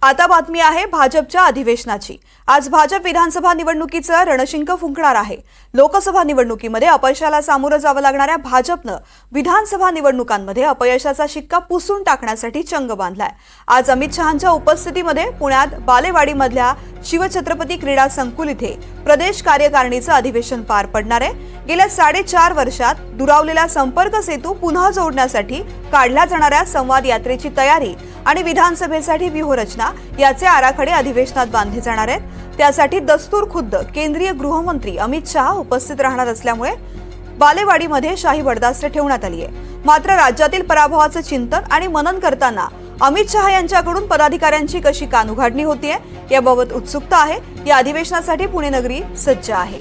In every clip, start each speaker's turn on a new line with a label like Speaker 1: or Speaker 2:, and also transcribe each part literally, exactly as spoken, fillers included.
Speaker 1: आता बातमी आहे भाजपच्या अधिवेशनाची। आज भाजप विधानसभा निवडणुकीचं रणशिंग फुंकणार आहे। लोकसभा निवडणुकीमध्ये अपयशाला सामोरं जावं लागणाऱ्या भाजपनं विधानसभा निवडणुकांमध्ये अपयशाचा शिक्का पुसून टाकण्यासाठी चंग बांधलाय। आज अमित शहांच्या उपस्थितीमध्ये पुण्यात बालेवाडीमधल्या शिवछत्रपती क्रीडा संकुल इथे प्रदेश कार्यकारिणीचं अधिवेशन पार पडणार आहे। गेल्या साडेचार वर्षात दुरावलेला संपर्क सेतू पुन्हा जोडण्यासाठी काढल्या जाणाऱ्या संवाद यात्रेची तयारी आणि विधानसभेसाठी व्यूहरचना याचे आराखडे अधिवेशनात बांधले जाणार आहेत। त्यासाठी दस्तूर खुद्द केंद्रीय गृहमंत्री अमित शहा उपस्थित राहणार असल्यामुळे बालेवाडीमध्ये शाही बडदास्त ठेवण्यात आली आहे। मात्र राज्यातील पराभवाचं चिंतन आणि मनन करताना अमित शहा यांच्याकडून पदाधिकाऱ्यांची कशी कानउघाडणी होतीये याबाबत उत्सुकता आहे। या अधिवेशनासाठी पुणे नगरी सज्ज आहे।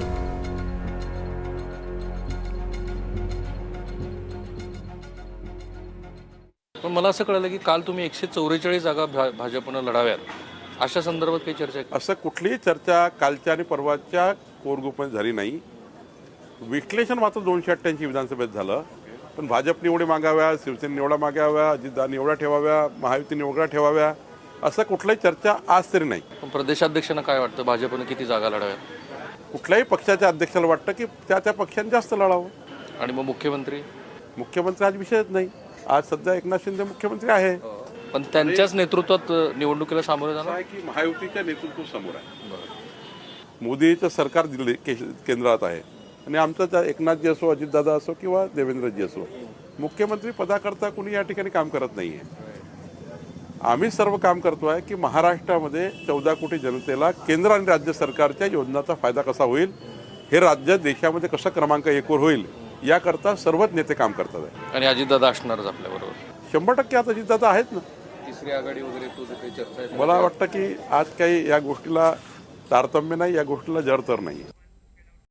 Speaker 2: पण मला असं कळलं की काल तुम्ही एकशे चौवेचाळीस जागा भाजपनं लढाव्यात, अशा संदर्भात काही चर्चा आहे?
Speaker 3: असं कुठलीही चर्चा कालच्या आणि परवाच्या कोर ग्रुपमध्ये झाली नाही। विश्लेषण मात्र दोनशे अठ्ठ्याऐंशी विधानसभेत झालं, पण भाजप निवडी मागाव्या, शिवसेना निवडा मागाव्या, अजितदादा निवडा ठेवाव्या, महायुती निवडा ठेवाव्या, असं कुठलाही चर्चा आज तरी नाही।
Speaker 2: पण प्रदेशाध्यक्षांना काय वाटतं, भाजपनं किती जागा लढाव्यात?
Speaker 3: कुठल्याही पक्षाच्या अध्यक्षाला वाटतं की त्या त्या पक्षाने जास्त लढावं।
Speaker 2: आणि मग मुख्यमंत्री
Speaker 3: मुख्यमंत्री आज विषयच नाही। आज सध्या एकनाथ शिंदे मुख्यमंत्री आहे,
Speaker 2: पण त्यांच्याच नेतृत्वात निवडणुकीला सामोरे जाणार
Speaker 3: आहे की महायुतीच्या नेतृत्व समोर आहे। मोदीचं सरकार दिल्ली केंद्रात आहे आणि आमचं त्या एकनाथजी असो, अजितदादा असो किंवा देवेंद्रजी असो, मुख्यमंत्री पदाकरता कुणी या ठिकाणी काम करत नाही आहे। आम्ही सर्व काम करतो आहे की महाराष्ट्रामध्ये चौदा कोटी जनतेला केंद्र आणि राज्य सरकारच्या योजनांचा फायदा कसा होईल, हे राज्य देशामध्ये कसं क्रमांक एकवर होईल याकरता सर्वच नेते काम करतात आहे।
Speaker 2: आणि अजितदादा असणारच आपल्याबरोबर
Speaker 3: शंभर टक्के आता अजितदादा आहेत ना।
Speaker 2: तिसरी आघाडी वगैरे तुझं काही चर्चा आहे?
Speaker 3: मला वाटतं की आज काही या गोष्टीला तारतम्य नाही, या गोष्टीला जर तर नाही।